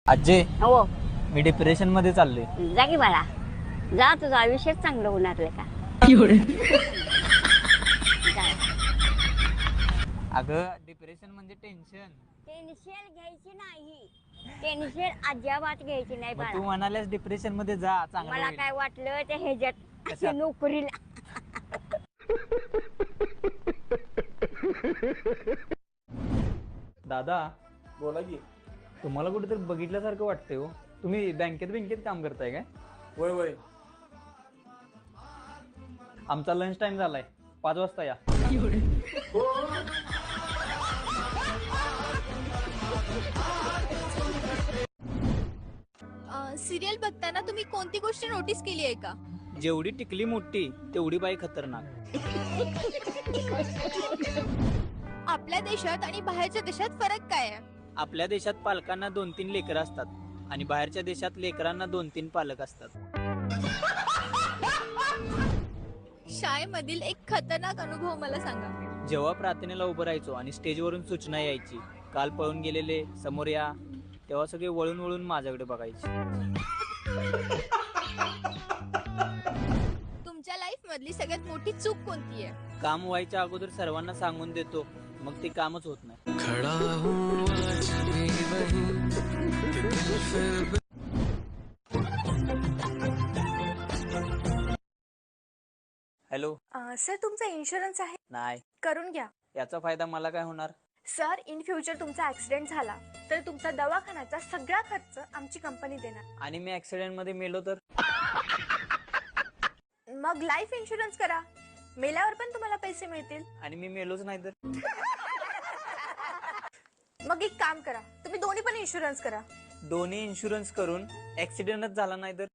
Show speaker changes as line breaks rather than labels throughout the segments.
आजे
हो
मी डिप्रेशन मध्ये चाललोय.
जा की बाळा जा, तुझं आयुष्यच चांगलं होणार का. जा.
अगं डिप्रेशन म्हणजे टेन्शन.
टेन्शन घ्यायची नाही, टेन्शन अजिबात घ्यायची नाही
मग
बाळा.
तू म्हणाल्यास डिप्रेशन मध्ये जा, चांगलं
मला
होईल.
काय वाटलं ते ह्याच्यात
कशात?
नोकरीला.
दादा
बोला की.
तुम्हाला कुठेतरी बघितल्यासारखं वाटतंय हो. तुम्ही बँकेत काम करताय काय?
वय वय.
आमचा लंच टाइम झालाय, 5 वाजता या.
सिरियल बघताना तुम्ही कोणती गोष्ट नोटीस केली आहे का?
जेवढी टिकली मोठी तेवढी बाई खतरनाक.
आपल्या देशात आणि बाहेरच्या देशात फरक काय आहे?
आपल्या देशात पालकांना 2-3 लेकरं असतात आणि बाहेरच्या देशात लेकरांना 2-3 पालक असतात.
शाळेमधील एक खतरनाक अनुभव मला सांगा.
जेव्हा प्रार्थनेला उभं राहायचो आणि स्टेजवरून सूचना यायची, काल पळून गेलेले समोर या, तेव्हा सगळे वळून वळून माझ्याकडे बघायचे.
तुमच्या लाईफ मधली सगळ्यात मोठी चूक कोणती आहे?
काम व्हायच्या अगोदर सर्वांना सांगून देतो, मग ते कामच होत नाही. हॅलो.
सर तुमचा इन्शुरन्स आहे,
नाही,
करून घ्या.
याचा फायदा मला काय होणार?
सर इन फ्युचर तुमचा ऍक्सिडेंट झाला तर तुमचा दवाखान्याचा सगळा खर्च आमची कंपनी देणार.
आणि मी ऍक्सिडेंट मध्ये मेलो तर?
मग लाईफ इन्शुरन्स करा, मेल्यावर पण तुम्हाला पैसे मिळतील.
आणि मी मेलोच नाही तर?
मग एक काम करा, तुम्ही दोन्ही पण इन्शुरन्स करा.
दोन्ही इन्शुरन्स करून ऍक्सिडेंटच झाला नाही तर?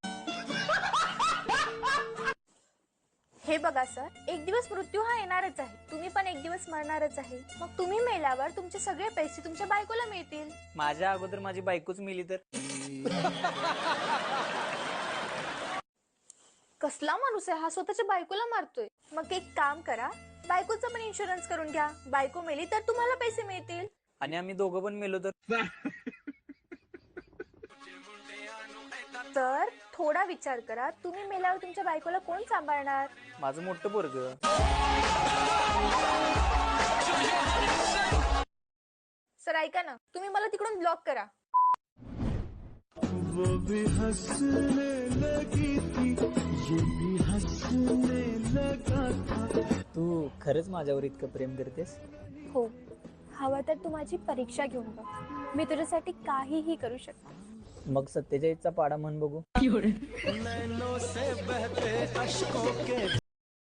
हे बघा सर, एक दिवस मृत्यू हा येणारच आहे, तुम्ही पण एक दिवस मरणारच आहे. मग तुम्ही मेल्यावर तुमचे सगळे पैसे तुमच्या बायकोला मिळतील.
माझ्या अगोदर माझी बायकोच मेली तर?
कसला माणूस आहे हा, स्वतःच्या बायकोला मारतोय. मग एक काम करा, बायकोचा पण इन्शुरन्स करून घ्या. बायको मेली तर तुम्हाला पैसे मिळतील.
आणि आम्ही दोघं पण मेलो तर?
तर थोडा विचार करा, तुम्ही मेल्यावर तुमच्या बायकोला कोण सांभाळणार?
माझं मोठं पोरगं.
सर ऐका ना, तुम्ही मला तिकडून ब्लॉक करा.
तू खरंच माझ्यावर इतकं प्रेम करतेस?
हो, हवं तर तू माझी परीक्षा घेऊन बघ, मी तुझ्यासाठी काहीही करू शकते.
मग 47चा पाडा म्हण बघू.